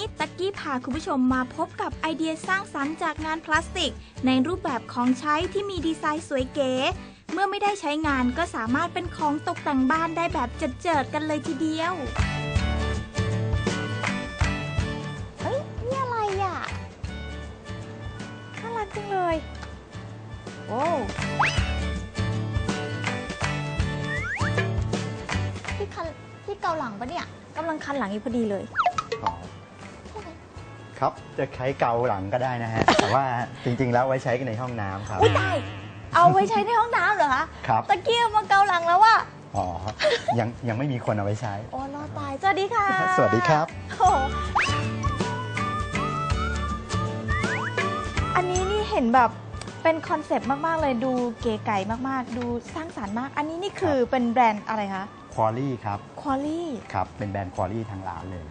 ตะกี้พาคุณผู้ชมมาพบกับไอเดียสร้างสรรค์จากงานพลาสติกในรูปแบบของใช้ที่มีดีไซน์สวยเก๋เมื่อไม่ได้ใช้งานก็สามารถเป็นของตกแต่งบ้านได้แบบเจิดๆกันเลยทีเดียวเฮ้ยนี่อะไรอ่ะน่ารักจังเลยโอ้ที่เกาหลังปะเนี่ยกำลังคันหลังอยู่พอดีเลยครับจะใช้เกาหลังก็ได้นะฮะ แต่ว่าจริงๆแล้วไว้ใช้กันในห้องน้ำครับอุ้ยได้เอาไว้ใช้ในห้องน้ำเหรอคะครับตะเกียบมาเกาหลังแล้วว่ะอ๋อยังไม่มีคนเอาไว้ใช้โอ้รอตายสวัสดีค่ะสวัสดีครับอันนี้นี่เห็นแบบเป็นคอนเซปต์มากๆเลยดูเก๋ไก่มากๆดูสร้างสรรค์มากอันนี้นี่คือเป็นแบรนด์อะไรคะควอลี่ครับควอลี่ครับเป็นแบรนด์ควอลี่ทางร้านเลย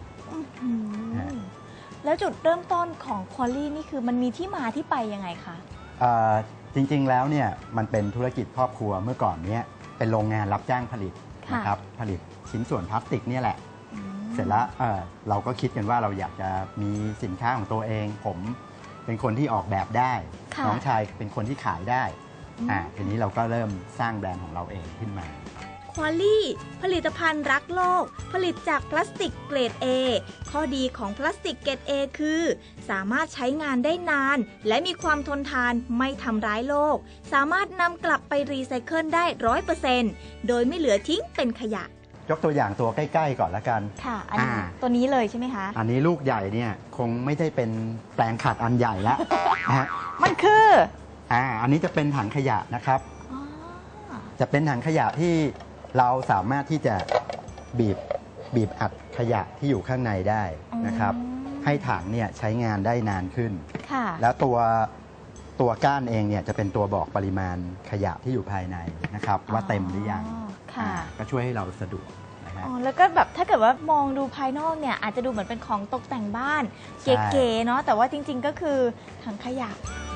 แล้วจุดเริ่มต้นของควอลี่นี่คือมันมีที่มาที่ไปยังไงคะจริงๆแล้วเนี่ยมันเป็นธุรกิจครอบครัวเมื่อก่อนเนี้ยเป็นโรงงานรับจ้างผลิตนะครับผลิตชิ้นส่วนพลาสติกเนี่ยแหละเสร็จแล้วเราก็คิดกันว่าเราอยากจะมีสินค้าของตัวเองผมเป็นคนที่ออกแบบได้น้องชายเป็นคนที่ขายได้ทีนี้เราก็เริ่มสร้างแบรนด์ของเราเองขึ้นมาควอลี่ผลิตภัณฑ์รักโลกผลิตจากพลาสติกเกรด A ข้อดีของพลาสติกเกรด A คือสามารถใช้งานได้นานและมีความทนทานไม่ทำร้ายโลกสามารถนำกลับไปรีไซเคิลได้ 100% โดยไม่เหลือทิ้งเป็นขยะยกตัวอย่างตัวใกล้ๆก่อนละกันค่ะอันนี้ตัวนี้เลยใช่ไหมคะอันนี้ลูกใหญ่เนี่ยคงไม่ได้เป็นแปลงขัดอันใหญ่แล้วนะฮะมันคืออันนี้จะเป็นถังขยะนะครับจะเป็นถังขยะที่เราสามารถที่จะบีบอัดขยะที่อยู่ข้างในได้นะครับให้ถังเนี่ยใช้งานได้นานขึ้นแล้วตัวก้านเองเนี่ยจะเป็นตัวบอกปริมาณขยะที่อยู่ภายในนะครับว่าเต็มหรือยังก็ช่วยให้เราสะดวกนะฮะแล้วก็แบบถ้าเกิดว่ามองดูภายนอกเนี่ยอาจจะดูเหมือนเป็นของตกแต่งบ้านเก๋ๆเนาะแต่ว่าจริงๆก็คือถังขยะ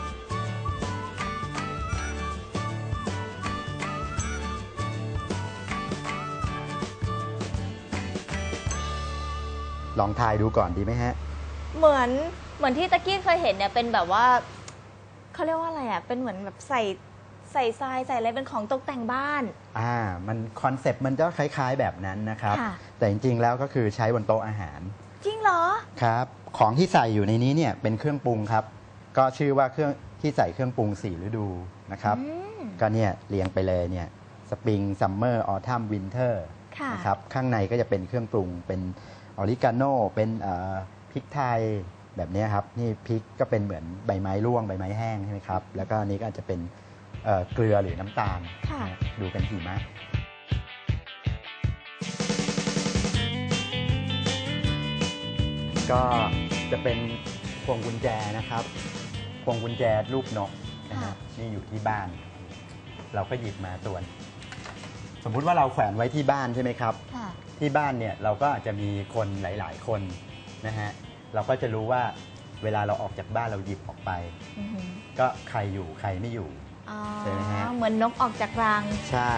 ลองทายดูก่อนดีไหมฮะเหมือนที่ตะกี้เคยเห็นเนี่ยเป็นแบบว่าเขาเรียกว่าอะไรอ่ะเป็นเหมือนแบบใส่ทรายใส่อะไรเป็นของตกแต่งบ้านมันคอนเซปต์มันจะคล้ายๆแบบนั้นนะครับแต่จริงๆแล้วก็คือใช้บนโต๊ะอาหารจริงเหรอครับของที่ใส่อยู่ในนี้เนี่ยเป็นเครื่องปรุงครับก็ชื่อว่าเครื่องที่ใส่เครื่องปรุง4ฤดูนะครับก็เนี่ยเรียงไปเลยเนี่ยสปริงซัมเมอร์ออทัมวินเทอร์นะครับข้างในก็จะเป็นเครื่องปรุงเป็นออริกาโน่เป็นพริกไทยแบบนี้ครับนี่พริกก็เป็นเหมือนใบไม้ร่วงใบไม้แห้งใช่ไหมครับแล้วก็นี้ก็อาจจะเป็นเกลือหรือน้ำตาลดูกันหิมะก็จะเป็นพวงกุญแจนะครับพวงกุญแจรูปนกนะฮะนี่อยู่ที่บ้านเราก็หยิบมาตัวสมมุติว่าเราแขวนไว้ที่บ้านใช่ไหมครับที่บ้านเนี่ยเราก็อาจจะมีคนหลายๆคนนะฮะเราก็จะรู้ว่าเวลาเราออกจากบ้านเราหยิบออกไปก็ใครอยู่ใครไม่อยู่ใช่ไหมฮะเหมือนนกออกจากรังใช่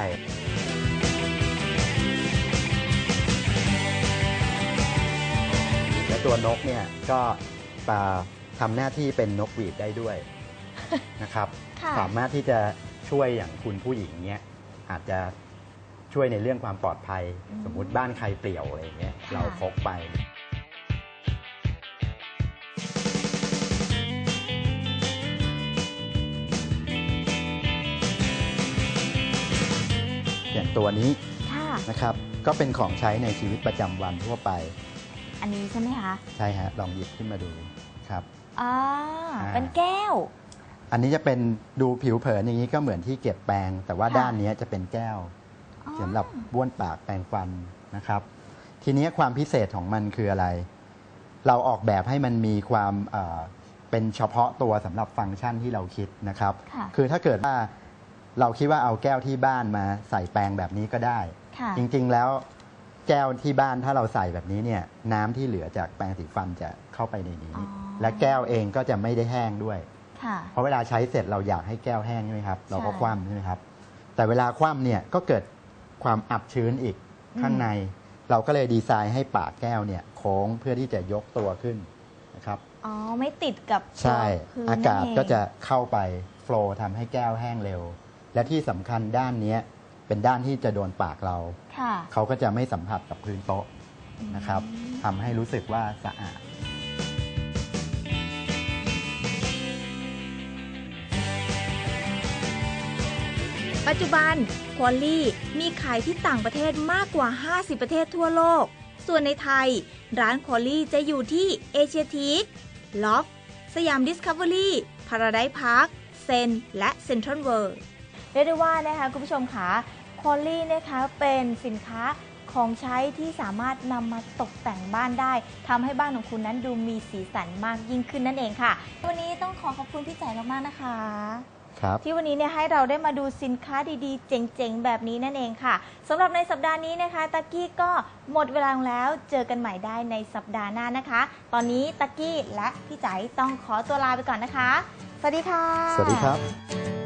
และตัวนกเนี่ยก็ทำหน้าที่เป็นนกหวีดได้ด้วยนะครับสามารถที่จะช่วยอย่างคุณผู้หญิงเนี่ยอาจจะช่วยในเรื่องความปลอดภัยสมมุติบ้านใครเปลี่ยวอะไรอย่างเงี้ยเราพกไปอย่างตัวนี้นะครับก็เป็นของใช้ในชีวิตประจำวันทั่วไปอันนี้ใช่ไหมคะใช่ฮะลองหยิบขึ้นมาดูครับเป็นแก้วอันนี้จะเป็นดูผิวเผินอย่างนี้ก็เหมือนที่เก็บแปรงแต่ว่าด้านนี้จะเป็นแก้วสำหรับบ้วนปากแปรงฟันนะครับทีนี้ความพิเศษของมันคืออะไรเราออกแบบให้มันมีความเป็นเฉพาะตัวสำหรับฟังก์ชันที่เราคิดนะครับคือถ้าเกิดว่าเราคิดว่าเอาแก้วที่บ้านมาใส่แปรงแบบนี้ก็ได้จริงๆแล้วแก้วที่บ้านถ้าเราใส่แบบนี้เนี่ยน้ำที่เหลือจากแปรงสีฟันจะเข้าไปในนี้และแก้วเองก็จะไม่ได้แห้งด้วยเพราะเวลาใช้เสร็จเราอยากให้แก้วแห้งใช่ไหมครับเราก็คว่ำใช่ไหมครับแต่เวลาคว่ำเนี่ยก็เกิดความอับชื้นอีกข้างในเราก็เลยดีไซน์ให้ปากแก้วเนี่ยโค้งเพื่อที่จะยกตัวขึ้นนะครับอ๋อไม่ติดกับใช่พื้นอากาศนั่นเงก็จะเข้าไปโฟลว์ทำให้แก้วแห้งเร็ว และที่สำคัญด้านเนี้ยเป็นด้านที่จะโดนปากเราค่ะเขาก็จะไม่สัมผัสกับพื้นโต๊ะนะครับทำให้รู้สึกว่าสะอาดปัจจุบันควอลลี่มีขายที่ต่างประเทศมากกว่า 50 ประเทศทั่วโลก ส่วนในไทย ร้านควอลลี่จะอยู่ที่เอเชียทีคล็อกสยามดิสคัฟเวอรี่พาราไดซ์พาร์คเซนและเซ็นทรัลเวิลด์เรียกได้ว่านะคะคุณผู้ชมคะควอลลี่นะคะเป็นสินค้าของใช้ที่สามารถนำมาตกแต่งบ้านได้ทำให้บ้านของคุณนั้นดูมีสีสันมากยิ่งขึ้นนั่นเองค่ะ วันนี้ต้องขอบคุณพี่แจ๋มากๆนะคะครับที่วันนี้เนี่ยให้เราได้มาดูสินค้าดีๆ เจ๋งๆ แบบนี้นั่นเองค่ะสำหรับในสัปดาห์นี้นะคะตะกี้ก็หมดเวลาลงแล้วเจอกันใหม่ได้ในสัปดาห์หน้านะคะ ตอนนี้ตะกี้และพี่จ๋าต้องขอตัวลาไปก่อนนะคะ สวัสดีค่ะสวัสดีครับ